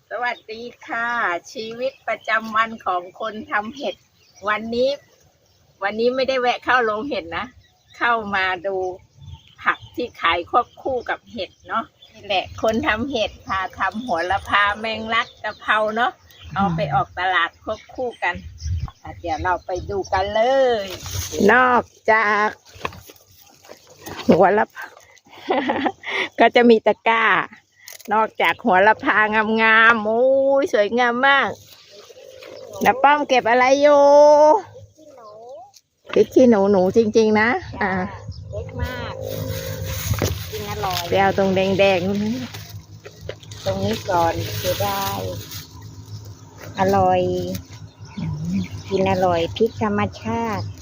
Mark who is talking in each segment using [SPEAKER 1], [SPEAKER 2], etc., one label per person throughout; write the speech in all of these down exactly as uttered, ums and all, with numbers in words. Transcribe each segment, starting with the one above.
[SPEAKER 1] สวัสดีค่ะชีวิตประจำวันของคนทำเห็ดวันนี้ วันนี้ไม่ได้แวะเข้าโรงเห็ดนะเข้ามาดูผักที่ขายควบคู่กับเห็ดเนาะนี่แหละคนทำเห็ดพาทำโหระพาแมงลักกะเพราเนาะเอาไปออกตลาดควบคู่กันเดี๋ยวเราไปดูกันเลย นอกจากหัวละ ก็จะมีตะกร้านอกจากหัวละพางามๆโอ้ยสวยงามมากน้าป้อมเก็บอะไรอยู่พริกขี้หนูหนูจริงๆนะอ่าเล็กมากกินอร่อยเดี๋ยวตรงแดงๆตรงนี้ก่อนจะได้อร่อยกินอร่อยพริกธรรมชาติ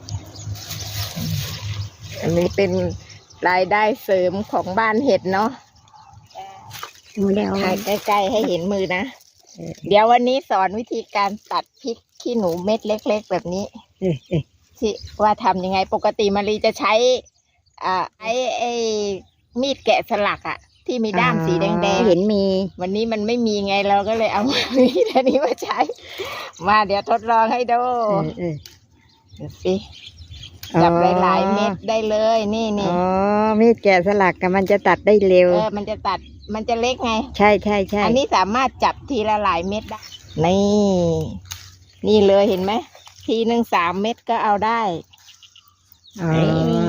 [SPEAKER 1] อันนี้เป็นรายได้เสริมของบ้านเห็ดเนาะถ่ายใกล้ๆให้เห็นมือนะเดี๋ยววันนี้สอนวิธีการตัดพริกขี้หนูเม็ดเล็กๆแบบนี้ที่ว่าทำยังไงปกติมารีจะใช้อ่าไอ้ไอ้มีดแกะสลักอะที่มีด้ามสีแดงๆเห็นมีวันนี้มันไม่มีไงเราก็เลยเอามีดอันนี้มาใช้มาเดี๋ยวทดลองให้ดูดูสิจับหลายๆเม็ดได้เลยนี่นี่อ๋อมีดแกะสลักกับมันจะตัดได้เร็วเออมันจะตัดมันจะเล็กไงใช่ใช่ใช่อันนี้สามารถจับทีละหลายเม็ดได้นี่นี่เลยเห็นไหมทีหนึ่งสามเม็ดก็เอาได้อ๋อ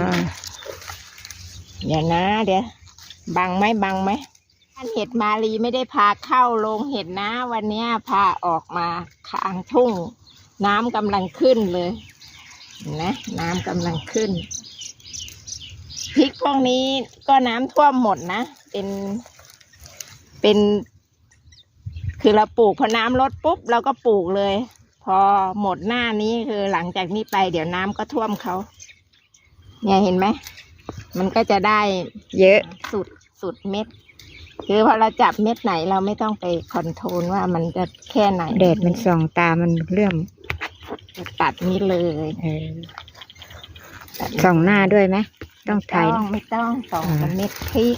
[SPEAKER 1] เดี๋ยวนะเดี๋ยวบังไหมบังไหมท่านเห็ดมาลีไม่ได้พาเข้าโรงเห็ดนะวันนี้พาออกมาข้างทุ่งน้ำกำลังขึ้นเลยนะน้ำกำลังขึ้นพริกพวกนี้ก็น้ำท่วมหมดนะเป็นเป็นคือเราปลูกพอน้ำลดปุ๊บเราก็ปลูกเลยพอหมดหน้านี้คือหลังจากนี้ไปเดี๋ยวน้ำก็ท่วมเขาเนี่ยเห็นไหมมันก็จะได้เยอะสุดสุดเม็ดคือพอเราจับเม็ดไหนเราไม่ต้องไปคอนโทรลว่ามันจะแค่ไหนแดดมันส่องตามันเลื่อมตัดนี้เลยเออส่องหน้าด้วยไหมต้องถ่ายไม่ต้องส่องเม็ดพริก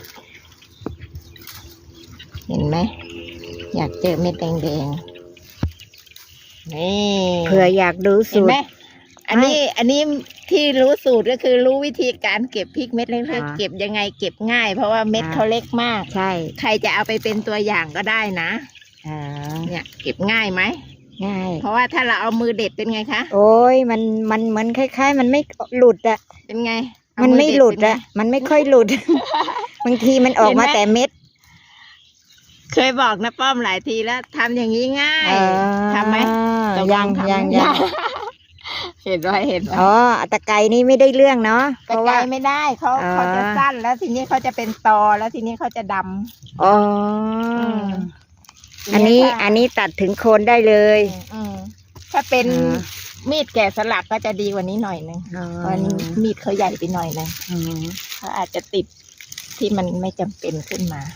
[SPEAKER 1] เห็นไหมอยากเจอเม็ดแดงๆนี่เผื่ออยากดูสูตรเห็นไหมอันนี้อันนี้ที่รู้สูตรก็คือรู้วิธีการเก็บพริกเม็ดเล็กๆเก็บยังไงเก็บง่ายเพราะว่าเม็ดเขาเล็กมากใช่ใครจะเอาไปเป็นตัวอย่างก็ได้นะเนี่ยเก็บง่ายไหมง่ายเพราะว่าถ้าเราเอามือเด็ดเป็นไงคะโอ้ยมันมันเหมือนคล้ายๆมันไม่หลุดอะเป็นไงมันไม่หลุดอะมันไม่ค่อยหลุด บางทีมันออกมาแต่เม็ดเคยบอกนะป้อมหลายทีแล้วทำอย่างนี้ง่ายทำไหมยังยังยังเห็นไว้เห็นอ๋อตะไคร้นี่ไม่ได้เรื่องเนาะตะไคร้ไม่ได้เขาเขาจะสั้นแล้วทีนี้เขาจะเป็นตอแล้วทีนี้เขาจะดำอ๋ออันนี้อันนี้ตัดถึงโคนได้เลยถ้าเป็นมีดแกะสลักก็จะดีกว่านี้หน่อยนึงเพราะมีดเขาใหญ่ไปหน่อยนึงเขาอาจจะติดที่มันไม่จำเป็นขึ้นมา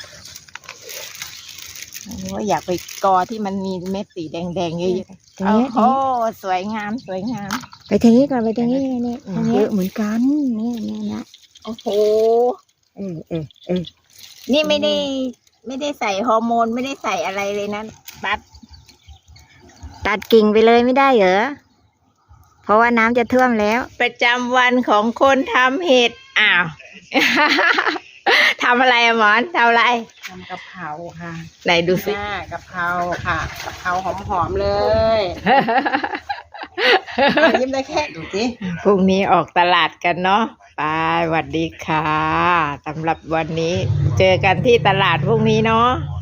[SPEAKER 1] ว่าอยากไปกอที่มันมีเม็ดสีแดงๆเยอะๆโอ้โหสวยงามสวยงามไปทางนี้ก่อนไปทางนี้นี่เยอะเหมือนกันนี่นี่นะโอ้โหเออเออเออนี่ไม่ได้ไม่ได้ใส่ฮอร์โมนไม่ได้ใส่อะไรเลยนะตัดตัดกิ่งไปเลยไม่ได้เหรอเพราะว่าน้ำจะท่วมแล้วประจำวันของคนทำเห็ดอ้าว ทำอะไรอะหมอนทำอะไรทำกะเพราค่ะไหนดูสิกะเพราค่ะกะเพราหอมๆเลยยิ้มได้แค่ดูสิพรุ่งนี้ออกตลาดกันเนาะไปสวัสดีค่ะสำหรับวันนี้เจอกันที่ตลาดพรุ่งนี้เนาะ